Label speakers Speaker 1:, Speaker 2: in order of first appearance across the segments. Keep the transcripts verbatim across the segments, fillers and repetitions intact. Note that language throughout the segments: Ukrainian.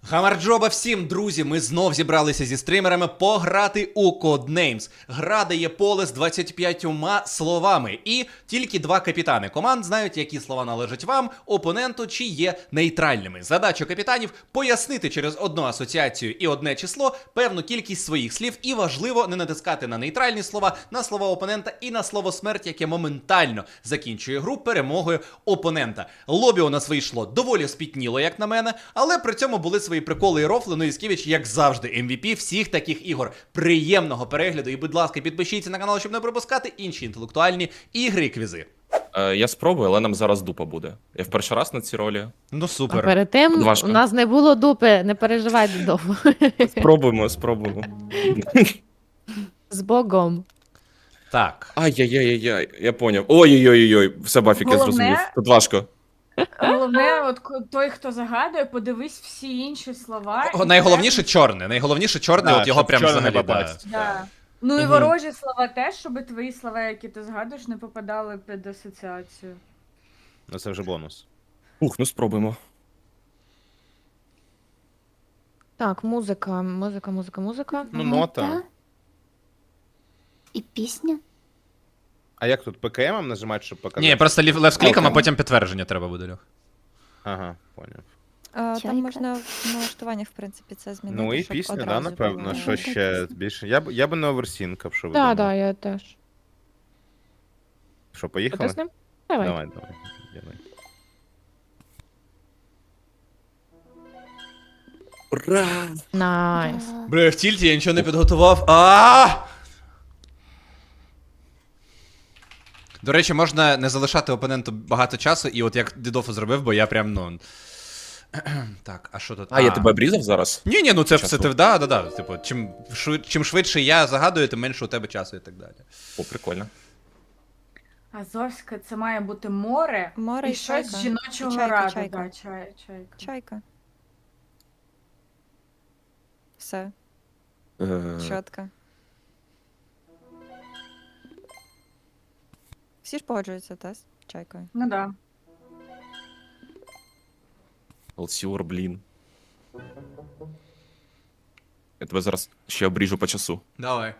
Speaker 1: Хамарджоба всім, друзі! Ми знов зібралися зі стримерами пограти у Codenames. Гра дає поле з двадцятьма п'ятьма словами. І тільки два капітани команд знають, які слова належать вам, опоненту, чи є нейтральними. Задача капітанів – пояснити через одну асоціацію і одне число певну кількість своїх слів. І важливо не натискати на нейтральні слова, на слова опонента і на слово смерть, яке моментально закінчує гру перемогою опонента. Лобі у нас вийшло доволі спітніло, як на мене, але при цьому були свої приколи і рофли. Ну і Скевич, як завжди, ем ві пі всіх таких ігор. Приємного перегляду і, будь ласка, підпишіться на канал, щоб не пропускати інші інтелектуальні ігри і квізи.
Speaker 2: Е, я спробую, але нам зараз дупа буде. Я в перший раз на цій ролі.
Speaker 1: Ну
Speaker 3: А
Speaker 1: супер.
Speaker 3: перед тим
Speaker 2: Важко.
Speaker 3: у нас не було дупи, не переживайте довго.
Speaker 2: Спробуємо, спробуємо.
Speaker 3: З Богом.
Speaker 1: Так.
Speaker 2: Ай-яй-яй-яй, я поняв. Ой-ой-ой-ой, все, Бафік, я
Speaker 4: Головне-
Speaker 2: зрозумів. Тут важко.
Speaker 4: Головне, от ко- той, хто загадує, подивись всі інші слова.
Speaker 1: О,
Speaker 4: і
Speaker 1: найголовніше чорне. Найголовніше чорне,
Speaker 5: Да,
Speaker 1: от його
Speaker 5: щоб
Speaker 1: прям
Speaker 5: чорне не
Speaker 1: взагалі. Да.
Speaker 5: попасть.
Speaker 4: прям- Да. Ну і
Speaker 2: Мгм.
Speaker 4: ворожі слова теж, щоб твої слова, які ти згадуєш, не попадали під асоціацію.
Speaker 5: Ну це вже бонус.
Speaker 2: Ух, ну спробуємо.
Speaker 3: Так, музика, музика, музика, музика.
Speaker 5: Ну, нота.
Speaker 6: І пісня?
Speaker 5: А як тут пе ка ем нажимати, щоб показати?
Speaker 1: Ні, просто левс-кліком, а
Speaker 2: Окей.
Speaker 1: потім підтвердження треба буде, Льох.
Speaker 5: Ага, поняв.
Speaker 6: А,
Speaker 7: Там
Speaker 6: Чайка?
Speaker 7: можна в налаштуваннях, в принципі, це змінити.
Speaker 5: Ну і
Speaker 7: щоб
Speaker 5: пісня, да,
Speaker 7: одразу
Speaker 5: напевно.
Speaker 7: було.
Speaker 5: Що ще більше? Я б я б не оверсінкав, що ви
Speaker 3: Так,
Speaker 5: думаєте?
Speaker 3: так, я теж.
Speaker 5: Що, поїхали?
Speaker 3: Потиснем? Давай.
Speaker 5: Давай, давай. Давай.
Speaker 2: Ура!
Speaker 3: Найс.
Speaker 6: Да.
Speaker 1: Бля, в тільті я нічого не підготував. А! До речі, можна не залишати опоненту багато часу, і от як Дідофу зробив, бо я прям, ну. Так, а що тут?
Speaker 2: А, я тебе обрізав зараз?
Speaker 1: Ні, ні, ну це все
Speaker 2: Часу.
Speaker 1: ти, да, да, да. Типу, чим, швид- чим швидше я загадую, тим менше у тебе часу і так далі.
Speaker 2: О, прикольно.
Speaker 4: Азовське це має бути море,
Speaker 7: Море
Speaker 4: і
Speaker 7: і
Speaker 4: щось
Speaker 7: чайка.
Speaker 4: з жіночого
Speaker 7: І чайка,
Speaker 4: раду.
Speaker 7: чайка.
Speaker 4: Да, чай, чайка.
Speaker 7: Чайка. Все,
Speaker 2: Е,
Speaker 7: чітко. Всі ж погоджуються, та, з чайкою?
Speaker 4: Ну да.
Speaker 2: Алсіор, блін. Я тебе зараз ще обріжу по часу.
Speaker 1: Давай.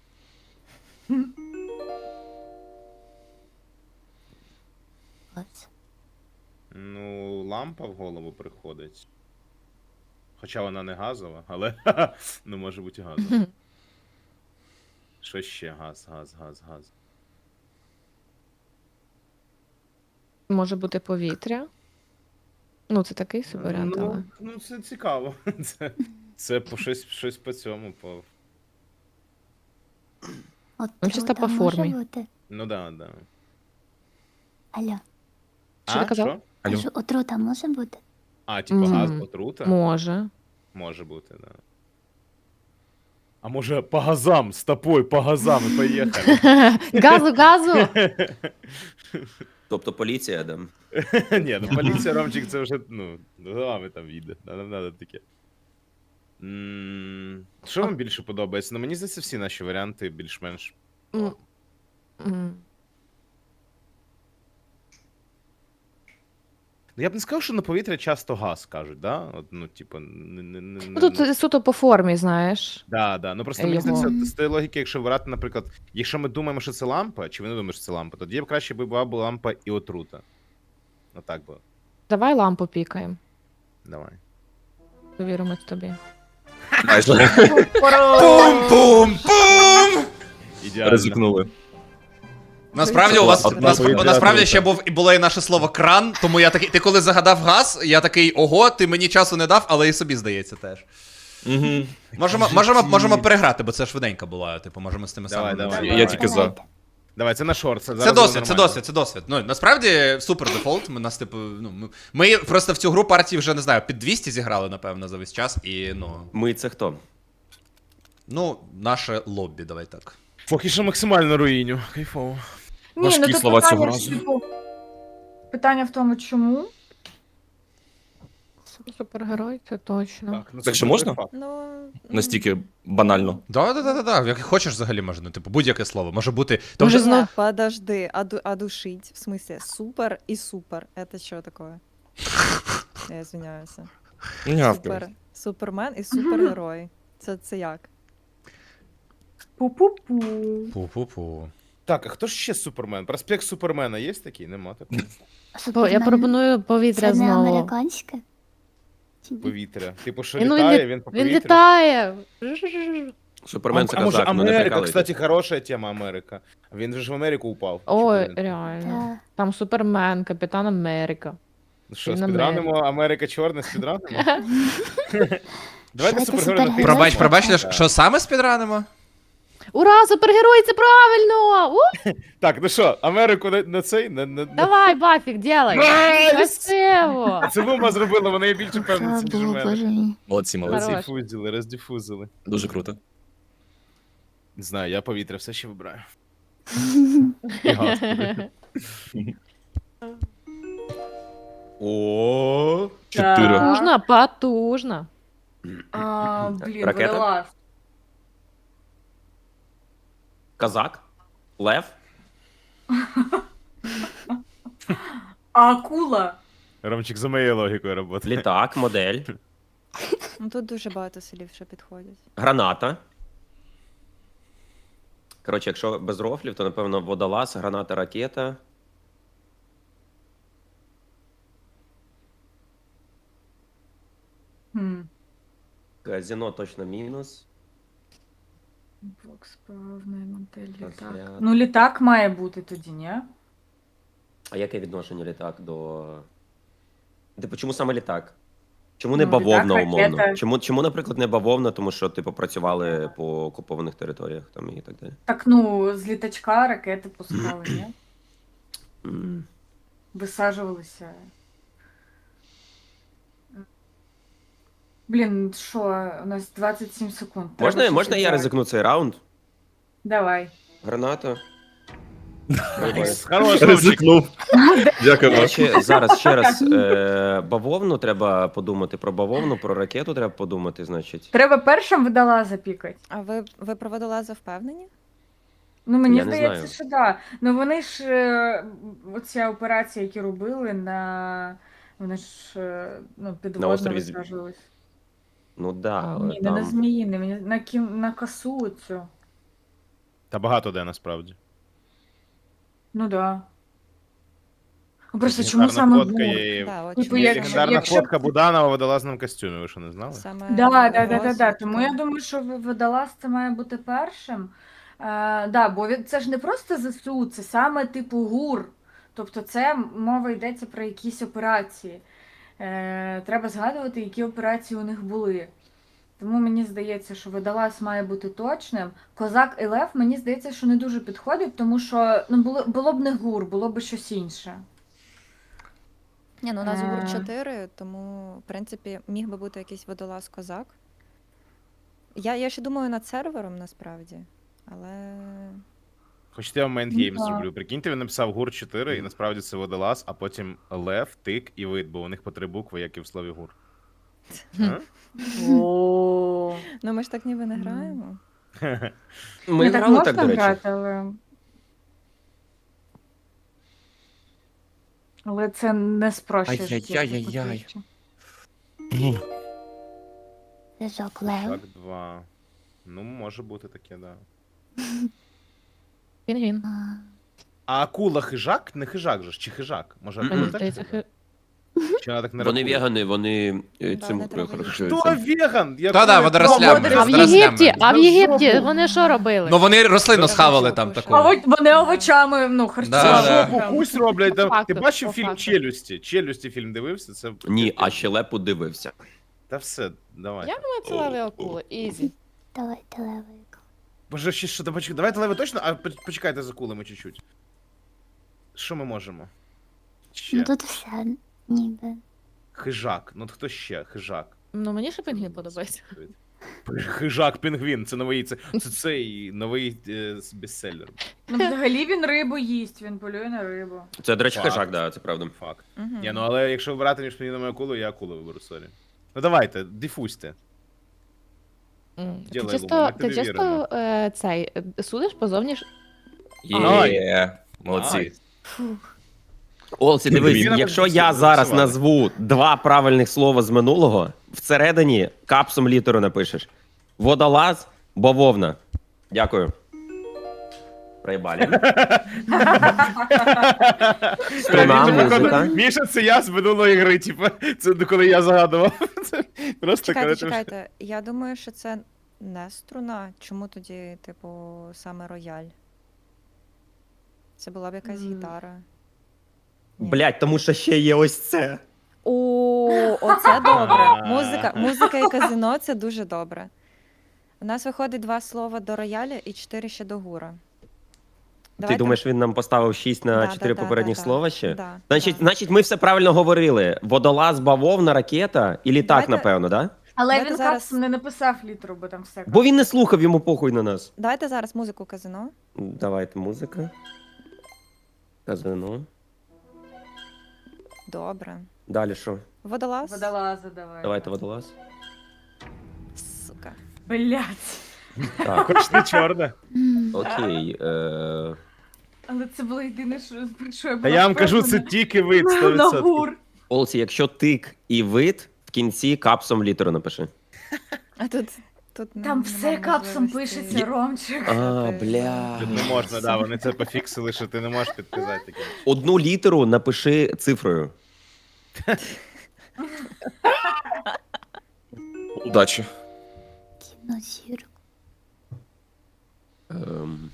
Speaker 6: Ось.
Speaker 5: Ну, лампа в голову приходить. Хоча вона не газова, але ну може бути і газова. Що ще? Газ, газ, газ, газ.
Speaker 3: Може бути повітря. Ну, це такий собі варіант, але.
Speaker 5: Ну, ну це цікаво. Це, це по щось, щось по цьому. По...
Speaker 6: От
Speaker 3: Ну, чисто
Speaker 6: трута
Speaker 3: по
Speaker 6: може
Speaker 3: формі.
Speaker 6: бути?
Speaker 5: Ну да, да.
Speaker 6: Алло.
Speaker 3: Що
Speaker 5: а,
Speaker 3: ти казав?
Speaker 5: Що?
Speaker 6: А
Speaker 2: Алло.
Speaker 6: що, отрута може бути?
Speaker 5: А, типу газ,
Speaker 3: Мгм.
Speaker 5: отрута?
Speaker 3: Може.
Speaker 5: Може бути, да. А може по газам, з тобою, по газам і поїхали.
Speaker 3: Газу, газу!
Speaker 8: Тобто поліція, да?
Speaker 5: Ні, ну поліція, Ромчик, це вже, ну, головами там віде. Нам треба таке. М, Що вам більше подобається? Ну, мені здається, всі наші варіанти більш-менш.
Speaker 3: М. М.
Speaker 5: Ну, я б не сказав, що на повітря часто газ кажуть, да? От, ну, типу, не, не, не,
Speaker 3: Ну, тут суто по формі, знаєш.
Speaker 5: Да, да. Ну просто мені
Speaker 3: Його.
Speaker 5: здається, з тієї логіки, якщо брати, наприклад, якщо ми думаємо, що це лампа, чи ви не думаєте, що це лампа, тоді б краще би була б лампа і отрута. Ну так би.
Speaker 3: Давай лампу пікаємо.
Speaker 5: Давай.
Speaker 3: Довіримось тобі.
Speaker 2: Майже
Speaker 1: Пум-пум-пум!
Speaker 5: Ідеально.
Speaker 2: ризикнули.
Speaker 1: Насправді у вас
Speaker 2: Одна
Speaker 1: нас,
Speaker 5: повітряна
Speaker 1: насправді
Speaker 5: трута.
Speaker 1: ще був і було і наше слово кран, тому я такий. Ти коли загадав газ, я такий, ого, ти мені часу не дав, але і собі здається теж.
Speaker 2: Угу.
Speaker 1: Можемо, можемо, можемо переграти, бо це швиденько була. Типу, можемо з тими
Speaker 5: Давай,
Speaker 1: самими.
Speaker 5: давай.
Speaker 2: Я, я тільки за.
Speaker 5: Давай, це на шорт. Це,
Speaker 1: Це
Speaker 5: зараз
Speaker 1: досвід,
Speaker 5: буде
Speaker 1: це
Speaker 5: нормально.
Speaker 1: досвід, це досвід. Ну, насправді супер дефолт. Ми нас, типу, ну, ми, ми просто в цю гру партії вже не знаю, під двісті зіграли, напевно, за весь час. І ну.
Speaker 8: Ми це хто?
Speaker 1: Ну, наше лоббі, давай так.
Speaker 5: Поки що максимально руїню. Кайфово.
Speaker 4: Ні,
Speaker 2: Важкі
Speaker 4: ну тут
Speaker 2: слова цього
Speaker 4: питання,
Speaker 2: разу.
Speaker 4: типу, питання в тому, чому.
Speaker 3: Супергерой, це точно.
Speaker 5: Так, ну,
Speaker 2: Так
Speaker 5: це
Speaker 2: що можна?
Speaker 5: факт.
Speaker 7: Ну,
Speaker 2: Настільки банально.
Speaker 1: Да, да, да, да, да. Як хочеш взагалі можна, типу, будь-яке слово. Може бути. То
Speaker 3: Може,
Speaker 1: вже...
Speaker 3: знов-
Speaker 7: не, подожди, а, ду- а душить? В смысле, супер и супер. Это что такое? Я извиняюсь.
Speaker 2: Нявка.
Speaker 7: Супер. Супермен і супергерой. Це, це як?
Speaker 4: Пу-пу-пу.
Speaker 1: Пу-пу-пу.
Speaker 5: Так, а хто ж ще Супермен? Проспект Супермена є такий? Нема такого.
Speaker 3: Бо я
Speaker 6: Супермен
Speaker 3: пропоную повітря
Speaker 6: Це не
Speaker 3: знову.
Speaker 6: американське? Чи ні?
Speaker 5: Повітря. Типу, що
Speaker 3: І ну,
Speaker 5: літає,
Speaker 3: лі-
Speaker 5: він по
Speaker 3: Він
Speaker 5: повітрю.
Speaker 3: літає.
Speaker 2: Супермен це
Speaker 5: а може
Speaker 2: казак, ну не
Speaker 5: Америка,
Speaker 2: прикалуйте.
Speaker 5: кстати, хороша тема Америка. Він же ж в Америку упав.
Speaker 3: Ой,
Speaker 5: Чи куди він?
Speaker 3: реально.
Speaker 6: Та.
Speaker 3: Там Супермен, Капітан Америка.
Speaker 5: Ну Що,
Speaker 3: він
Speaker 5: спідранимо Америка чорна, спідранимо? Давайте
Speaker 6: Що це,
Speaker 5: супергерой на
Speaker 6: супергерой?
Speaker 5: ти.
Speaker 1: Пробач,
Speaker 6: Ой,
Speaker 1: пробач,
Speaker 6: так.
Speaker 1: Ляш, що саме спідранимо?
Speaker 3: Ура, супергерой, це правильно! У,
Speaker 5: Так, ну що, Америку на, на цей? На, на, на...
Speaker 3: давай, Бафік, делай!
Speaker 5: Найс!
Speaker 3: Красиво!
Speaker 5: Це Лума зробила, вона є більше
Speaker 6: Слава
Speaker 5: певна, ніж
Speaker 6: Богу,
Speaker 5: мене.
Speaker 6: боже мій.
Speaker 2: Молодці, молодці.
Speaker 3: Хорош.
Speaker 5: Роздифузили, роздифузили.
Speaker 2: Дуже круто.
Speaker 5: Не знаю, я повітря все ще вибираю. І газ. О,
Speaker 2: Чотири.
Speaker 4: Так.
Speaker 3: Потужно, потужно.
Speaker 4: А, блін,
Speaker 2: Ракета?
Speaker 4: водолаз.
Speaker 2: Казак? Лев?
Speaker 4: А акула.
Speaker 5: Ромчик, за моєю логікою роботи.
Speaker 2: Літак, модель,
Speaker 7: Ну тут дуже багато слів, що підходять.
Speaker 2: граната. Коротше, якщо без рофлів, то напевно водолаз, граната, ракета.
Speaker 4: Хм.
Speaker 2: Казино точно мінус.
Speaker 4: Бокс, певний модель, літак.
Speaker 2: Розряд.
Speaker 4: Ну, літак має бути тоді, ні?
Speaker 2: А яке відношення літак до. Типу, чому саме літак? Чому не
Speaker 4: Ну,
Speaker 2: бавовна,
Speaker 4: літак,
Speaker 2: умовно?
Speaker 4: ракета.
Speaker 2: Чому, чому, наприклад, не бавовна, тому що типу працювали по окупованих територіях там і так далі.
Speaker 4: Так, ну, з літачка ракети пускали, ні?
Speaker 2: М.
Speaker 4: Висаджувалися. Блін, що, у нас двадцять сім секунд. Треба
Speaker 2: Можна,
Speaker 4: щось
Speaker 2: можна я
Speaker 4: обрати.
Speaker 2: ризикну цей раунд?
Speaker 4: Давай.
Speaker 2: Граната.
Speaker 5: Хорош, Ромчик.
Speaker 2: Ризикнув. Дякую.
Speaker 4: Е,
Speaker 2: Ще, зараз ще раз е, бавовну треба подумати про бавовну, про ракету треба подумати, значить.
Speaker 4: Треба першим водолаза пікати.
Speaker 7: А ви, ви про водолаза впевнені?
Speaker 4: Ну, мені
Speaker 2: Я не
Speaker 4: здається,
Speaker 2: знаю.
Speaker 4: що так. Да. Ну вони ж е, оця операція, які робили на. Вони ж е, ну, підводно
Speaker 2: острові З-
Speaker 4: висаджувались.
Speaker 2: Ну да, але
Speaker 4: Ні, не на
Speaker 2: там.
Speaker 4: зміїни, мені на кім на косу цю.
Speaker 5: Та багато де насправді.
Speaker 4: Ну да. Ну, просто
Speaker 5: Легендарна
Speaker 4: чому саме
Speaker 5: фотка
Speaker 4: гур?
Speaker 5: є.
Speaker 7: Да, от
Speaker 4: Типу,
Speaker 7: чому
Speaker 4: як-
Speaker 7: саме
Speaker 5: Легендарна
Speaker 4: якщо-
Speaker 5: фотка Буданова в водолазному костюмі, ви що не знали?
Speaker 7: Саме
Speaker 4: Да, да, да, да, да.
Speaker 7: розвитку.
Speaker 4: Тому я думаю, що в- водолаз це має бути першим. Е, да, бо він- це ж не просто ЗСУ, це саме типу ГУР. Тобто це мова йдеться про якісь операції. Е, треба згадувати, які операції у них були. Тому мені здається, що водолаз має бути точним. Козак і Лев, мені здається, що не дуже підходить, тому що ну, було, було б не ГУР, було б щось інше.
Speaker 7: Ні, ну у нас
Speaker 4: Е.
Speaker 7: гур чотири, тому, в принципі, міг би бути якийсь водолаз-козак. Я, я ще думаю над сервером насправді, але.
Speaker 5: Хочете, я вам
Speaker 4: Ну,
Speaker 5: майндгейм
Speaker 4: так.
Speaker 5: зроблю. Прикиньте, він написав гур чотири, і насправді це водолаз, а потім лев, тик і вид, бо у них по три букви, як і в слові гур. А?
Speaker 4: О,
Speaker 7: Ну ми ж так ніби не
Speaker 4: Мгм.
Speaker 7: граємо.
Speaker 2: Ми
Speaker 4: ну, так
Speaker 2: грали
Speaker 4: можна
Speaker 2: так, до речі.
Speaker 4: грати, але. Але це не спрощує.
Speaker 2: Ай-яй-яй-яй-яй.
Speaker 6: Зв'язок Лев.
Speaker 5: Так, два. Ну, може бути таке, да.
Speaker 3: Пінгвін.
Speaker 6: А,
Speaker 5: А акула хижак? Не хижак же ж, чи хижак? Може, акула
Speaker 2: Мгм.
Speaker 5: так?
Speaker 3: Здається,
Speaker 5: хижак?
Speaker 3: хи-
Speaker 5: Чи вона так не
Speaker 2: Вони
Speaker 5: рахує?
Speaker 2: вегани, вони е,
Speaker 7: Да,
Speaker 2: цим
Speaker 7: не треба
Speaker 2: характеризуються.
Speaker 5: Хто веган? Я
Speaker 1: Та-да,
Speaker 5: думаю,
Speaker 1: водорослями,
Speaker 5: хто
Speaker 3: А в
Speaker 1: Водорослями.
Speaker 3: Єгипті, а в
Speaker 5: За
Speaker 3: Єгипті
Speaker 5: жопу.
Speaker 3: вони що робили?
Speaker 1: Ну вони рослину
Speaker 7: Це
Speaker 1: схавали
Speaker 7: жопу,
Speaker 1: там
Speaker 7: що?
Speaker 1: таку.
Speaker 4: А от вони овочами, ну,
Speaker 1: Да,
Speaker 4: харчували.
Speaker 1: да.
Speaker 5: Жопу пусть роблять.
Speaker 3: По
Speaker 5: там.
Speaker 3: факту,
Speaker 5: Ти бачив
Speaker 3: по
Speaker 5: фільм
Speaker 3: факту.
Speaker 5: Челюсті? Челюсті фільм дивився? Це...
Speaker 2: Ні, а щелепу дивився.
Speaker 5: Та все, давай.
Speaker 3: Я думаю, це леві акули. Ізі.
Speaker 6: давайте левик.
Speaker 5: Боже, ще що, давайте, давайте леви точно, а поч- почекайте за кулами чуть-чуть. Що ми можемо? Ще.
Speaker 6: Ну тут все ніби.
Speaker 5: Хижак. Ну от хто ще? Хижак.
Speaker 3: Ну мені ще пінгвін подобається.
Speaker 5: Хижак пінгвін, це новий, це, це цей новий е, бестселер.
Speaker 4: Ну, взагалі він рибу їсть, він полює на рибу.
Speaker 2: Це, до речі,
Speaker 5: Факт.
Speaker 2: хижак, да, це правда.
Speaker 5: Факт.
Speaker 7: Угу.
Speaker 5: Ні, ну але якщо вибирати між пінгвіном і акулою, я акулу виберу, сорі. Ну давайте, дифузьте.
Speaker 3: М. Ти
Speaker 5: Ділай,
Speaker 3: чисто,
Speaker 5: Лума, ми
Speaker 3: ти
Speaker 5: тобі
Speaker 3: чисто
Speaker 5: віримо.
Speaker 3: е, цей е, судиш позовні ж.
Speaker 2: Є, молодці.
Speaker 5: Найс.
Speaker 6: Фух.
Speaker 2: Олсі, дивись,
Speaker 5: Він
Speaker 2: якщо
Speaker 5: написав,
Speaker 2: я зараз
Speaker 5: записували.
Speaker 2: назву два правильних слова з минулого, всередині капсом літеру напишеш. Водолаз, бавовна. Дякую. Проїбалі. Струна,
Speaker 5: Міша,
Speaker 2: музика.
Speaker 5: походу, Міша, це я з минулої гри, типу, це коли я загадував. Це Просто
Speaker 7: Чекайте,
Speaker 5: коротше,
Speaker 7: чекайте. Я думаю, що це не струна. Чому тоді, типу, саме рояль? Це була б якась
Speaker 4: М.
Speaker 7: гітара. Ні.
Speaker 2: Блять, тому що ще є ось це.
Speaker 7: О, оце добре. Музика, музика і казино це дуже добре. У нас виходить два слова до рояля і чотири ще до гура.
Speaker 2: Ти думаєш, він нам поставив шість на
Speaker 7: Да,
Speaker 2: чотири
Speaker 7: да, да,
Speaker 2: попередніх
Speaker 7: да,
Speaker 2: слова ще?
Speaker 7: Да,
Speaker 2: Значить,
Speaker 7: да.
Speaker 2: значить, ми все правильно говорили. Водолаз, бавовна, ракета і літак,
Speaker 7: Давайте-
Speaker 2: напевно, да?
Speaker 4: Але
Speaker 7: Давайте
Speaker 4: він
Speaker 7: зараз-
Speaker 4: капсом не написав літеру, бо там все.
Speaker 2: Бо він не слухав, йому похуй на нас.
Speaker 7: Давайте зараз музику казино.
Speaker 2: Давайте музика. Казино.
Speaker 7: Добре.
Speaker 2: Далі що?
Speaker 7: Водолаз.
Speaker 4: Водолаза давай.
Speaker 2: Давайте водолаз.
Speaker 7: Сука.
Speaker 4: Блять.
Speaker 2: Так,
Speaker 5: хоч не чорне.
Speaker 6: М,
Speaker 2: окей. Е...
Speaker 4: Але це було єдине, що, що я
Speaker 5: Та
Speaker 4: була
Speaker 5: я вам кажу, це
Speaker 4: впевнена.
Speaker 5: тільки вид
Speaker 4: На
Speaker 5: сто відсотків.
Speaker 4: гур.
Speaker 2: Олсі, якщо тик і вид, в кінці капсом літеру напиши.
Speaker 7: А тут, тут
Speaker 4: Там
Speaker 7: нема
Speaker 4: все капсом
Speaker 7: можливості.
Speaker 4: пишеться, Ромчик.
Speaker 2: А,
Speaker 7: Ти-
Speaker 2: бля.
Speaker 5: Тут не можна, да, вони це пофіксили, що ти не можеш підказати таке.
Speaker 2: Одну літеру напиши цифрою.
Speaker 9: Удачі.
Speaker 6: Кінозірка.
Speaker 2: Ем...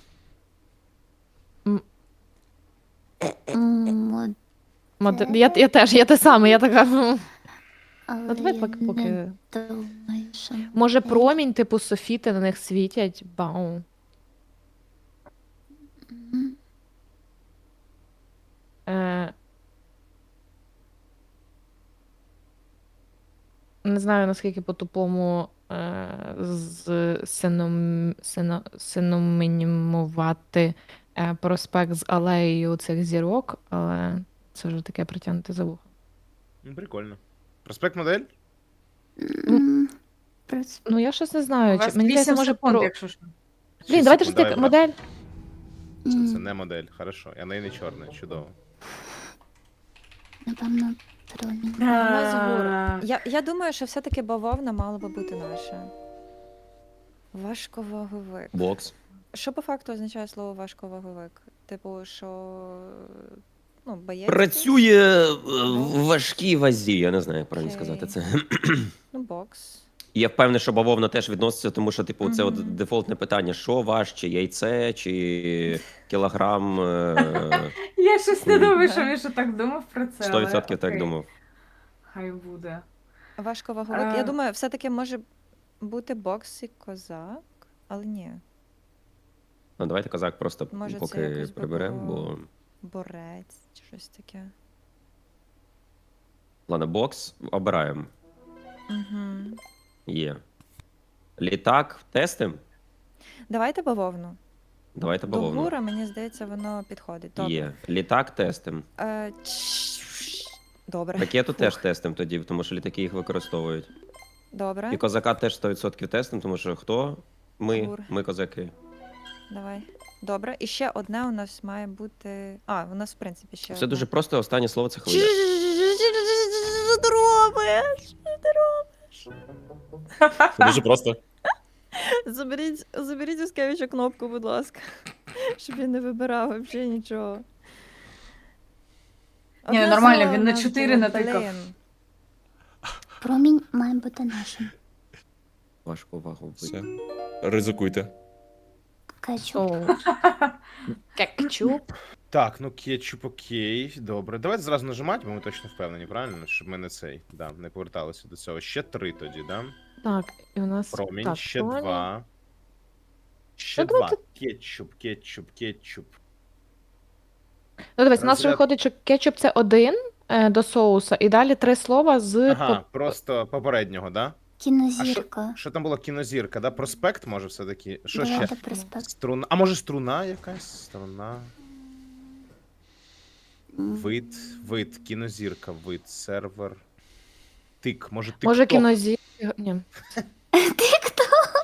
Speaker 6: М, мод-
Speaker 3: Мод... Я, я теж, я те саме, я така. «М».
Speaker 6: Але
Speaker 3: Ну, давай
Speaker 6: я
Speaker 3: поки,
Speaker 6: не
Speaker 3: поки.
Speaker 6: думаю, що...
Speaker 3: Може, промінь, типу софіти на них світять. Бау.
Speaker 6: М,
Speaker 3: Е... Не знаю, наскільки по-тупому е... з сином... сино... синонімувати е... проспект з алеєю цих зірок, але це вже таке притягнути за вухо.
Speaker 5: Ну, прикольно. Проспект модель?
Speaker 6: м, прос-
Speaker 3: Ну, я щось не
Speaker 4: У
Speaker 3: знаю.
Speaker 4: вас
Speaker 3: Чи... Мені здається,
Speaker 4: вісім
Speaker 3: може
Speaker 4: секунд,
Speaker 3: про...
Speaker 4: якщо що.
Speaker 3: Блін, давайте ж
Speaker 5: Секунд,
Speaker 3: так,
Speaker 5: давай,
Speaker 3: модель.
Speaker 5: Це, це
Speaker 6: м,
Speaker 5: не модель, хорошо. Я неї не чорний, чудово.
Speaker 6: Напевно, промінь.
Speaker 7: У нас гур.
Speaker 4: А,
Speaker 7: Я, я думаю, що все-таки бавовна мала би бути наша. Важковаговик.
Speaker 2: Бокс.
Speaker 7: Що по факту означає слово важковаговик? Типу, що ну, боєць.
Speaker 2: Працює е, в важкій вазі, я не знаю, як правильно
Speaker 7: Окей.
Speaker 2: сказати це.
Speaker 7: Ну, бокс.
Speaker 2: І я впевнений, що бавовна теж відноситься, тому що, типу, це от
Speaker 7: Мгм.
Speaker 2: дефолтне питання: що важче, яйце чи кілограм? е,
Speaker 4: Я щось не
Speaker 2: Ні.
Speaker 4: думаю, що він ще так думав про це.
Speaker 2: сто
Speaker 4: але
Speaker 2: відсотків так
Speaker 4: окей,
Speaker 2: думав.
Speaker 4: Хай буде.
Speaker 7: Важковаговик.
Speaker 4: Е.
Speaker 7: Я думаю, все-таки може бути бокс і козак, але ні.
Speaker 2: Ну, давайте козак просто
Speaker 7: Може, це
Speaker 2: поки
Speaker 7: якось би
Speaker 2: приберемо,
Speaker 7: було-
Speaker 2: бо.
Speaker 7: Борець чи щось таке.
Speaker 2: Ладно, бокс обираємо.
Speaker 7: Угу.
Speaker 2: Є. Літак тестим?
Speaker 7: Давайте бавовну.
Speaker 2: Давайте
Speaker 7: До
Speaker 2: бавовну.
Speaker 7: гура, мені здається, воно підходить. Добре.
Speaker 2: Є. Літак тестим.
Speaker 7: Е, чш- Добре.
Speaker 2: Ракету теж
Speaker 7: Фух.
Speaker 2: тестим тоді, тому що літаки їх використовують.
Speaker 7: Добре.
Speaker 2: І козака теж сто відсотків тестим, тому що хто? Ми,
Speaker 7: Гур.
Speaker 2: ми козаки.
Speaker 7: Давай. Добре. І ще одне у нас має бути. А, у нас, в принципі, ще.
Speaker 2: Все
Speaker 7: одне.
Speaker 2: дуже просто, останнє слово це хвиля.
Speaker 7: Що ти робиш? Що ти робиш?
Speaker 9: Це дуже просто.
Speaker 7: Заберіть, заберіть у Скевича кнопку, будь ласка. Щоб він не вибирав взагалі нічого.
Speaker 4: Ні,
Speaker 7: Одне
Speaker 4: нормально,
Speaker 7: слово
Speaker 4: він
Speaker 7: у
Speaker 4: на
Speaker 7: нас
Speaker 4: чотири
Speaker 7: було,
Speaker 4: натикав.
Speaker 7: блін.
Speaker 6: Промінь має бути нашим.
Speaker 2: Важко вагу.
Speaker 9: Все. Ризикуйте.
Speaker 6: Кетчуп.
Speaker 3: Оу. Кетчуп.
Speaker 5: Так, ну кетчуп окей, добре. Давайте зразу нажимати, бо ми точно впевнені, правильно? Щоб ми не цей, да, не поверталися до цього. Ще три тоді, да?
Speaker 3: Так, і у нас.
Speaker 5: Промінь,
Speaker 3: так,
Speaker 5: ще
Speaker 3: промінь.
Speaker 5: два. Ще
Speaker 3: Ну,
Speaker 5: два.
Speaker 3: давайте-
Speaker 5: Кетчуп, кетчуп, кетчуп.
Speaker 3: Ну, дивись, у нас
Speaker 5: Розряд-
Speaker 3: виходить, що кетчуп це один е, до соуса, і далі три слова з.
Speaker 5: Ага,
Speaker 3: по-
Speaker 5: просто попереднього, да?
Speaker 6: Кінозірка.
Speaker 5: Що там було кінозірка, да? Проспект, може, все-таки? Що ще?
Speaker 6: Давайте проспект.
Speaker 5: Струна. А може струна якась? Струна.
Speaker 6: М,
Speaker 5: Вид, вид, кінозірка, вид, сервер. Тик, може тик.
Speaker 3: Може, кінозі. Ні.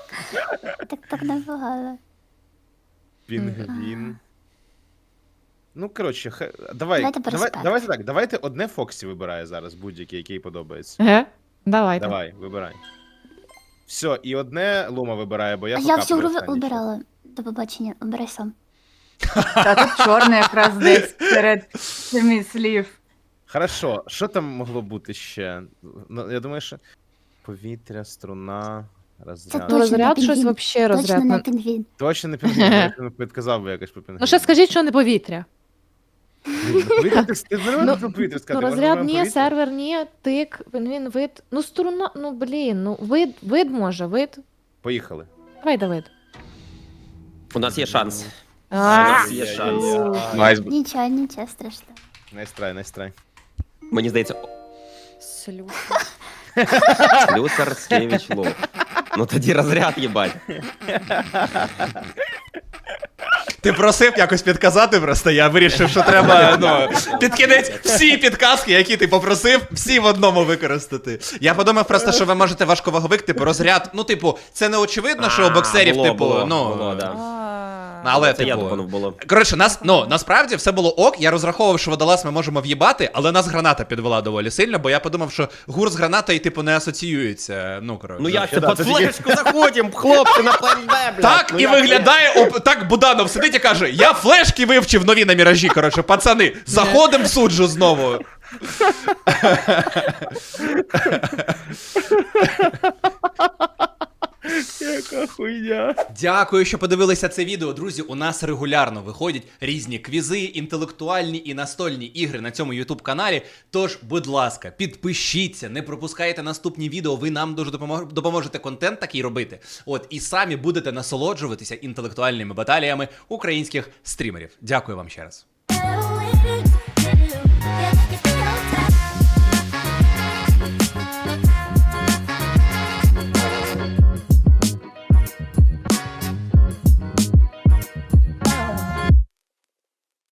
Speaker 6: Так так набагато.
Speaker 5: Пінгвін. Ну, коротше, хе- давай,
Speaker 6: Давайте по
Speaker 5: давай,
Speaker 6: респекту.
Speaker 5: давайте так, давайте одне Фоксі вибирає зараз, будь-який, який подобається.
Speaker 3: Ге? Давайте.
Speaker 5: Давай, вибирай. Все, і одне Лума вибирає, бо я
Speaker 6: А я
Speaker 5: покапаю
Speaker 6: всю гру
Speaker 5: останній час.
Speaker 6: обирала. До побачення, обирай сам.
Speaker 4: Та тут чорний якраз десь серед семи слів.
Speaker 5: Хорошо, що там могло бути ще? Ну, я думаю, що повітря, струна, розряд.
Speaker 6: точно
Speaker 3: Ну, розряд
Speaker 6: не
Speaker 3: щось
Speaker 6: пінгвін.
Speaker 3: вообще розряд.
Speaker 6: Точно не
Speaker 3: Ну,
Speaker 6: пінгвін.
Speaker 5: Точно не пінгвін, я б підказав би якось по пінгвіну.
Speaker 3: ну ще скажіть, що не повітря.
Speaker 5: Ну, повітря, ти, ти не
Speaker 3: Ну,
Speaker 5: можеш про повітря сказати.
Speaker 3: Ну,
Speaker 5: можна
Speaker 3: розряд
Speaker 5: прямо
Speaker 3: ні,
Speaker 5: повітря?
Speaker 3: сервер ні, тик, він вид. Ну, струна, ну блін, ну вид, вид може, вид.
Speaker 5: Поїхали.
Speaker 3: Давай, Давид.
Speaker 2: У нас є шанс. У
Speaker 3: А,
Speaker 2: нас є шанс.
Speaker 9: Найс.
Speaker 6: Нічого, нічого страшного.
Speaker 5: Найстрай, найстрай.
Speaker 2: Мені здається,
Speaker 7: Слюс.
Speaker 2: Слюсар Скевич Лов. Ну тоді розряд, їбать.
Speaker 1: Ти просив якось підказати просто, я вирішив, що треба ну, під кінець всі підказки, які ти попросив, всі в одному використати. Я подумав просто, що ви можете важковаговик, типу, розряд. Ну, типу, це не очевидно, що у
Speaker 2: А,
Speaker 1: боксерів,
Speaker 2: було,
Speaker 1: типу,
Speaker 2: було,
Speaker 1: ну.
Speaker 2: було, да.
Speaker 1: Але,
Speaker 2: Це я
Speaker 1: типу,
Speaker 2: думав було.
Speaker 1: коротше, нас, ну, насправді все було ок, я розраховував, що водолаз ми можемо в'їбати, але нас граната підвела доволі сильно, бо я подумав, що гур з гранатою, типу, не асоціюється, ну, коротше.
Speaker 2: Ну як це,
Speaker 5: да,
Speaker 2: під
Speaker 5: це тільки-
Speaker 2: флешку заходимо, хлопці, на план Б, блядь.
Speaker 1: Так
Speaker 2: Ну,
Speaker 1: і
Speaker 2: як
Speaker 1: виглядає, оп, так Буданов сидить і каже: я флешки вивчив нові на міражі, коротше, пацани, заходимо в суджу знову.
Speaker 5: Яка хуйня.
Speaker 1: Дякую, що подивилися це відео. Друзі, у нас регулярно виходять різні квізи, інтелектуальні і настольні ігри на цьому YouTube каналі. Тож, будь ласка, підпишіться, не пропускайте наступні відео, ви нам дуже допомог- допоможете контент такий робити. От, і самі будете насолоджуватися інтелектуальними баталіями українських стрімерів. Дякую вам ще раз.
Speaker 6: Thank you.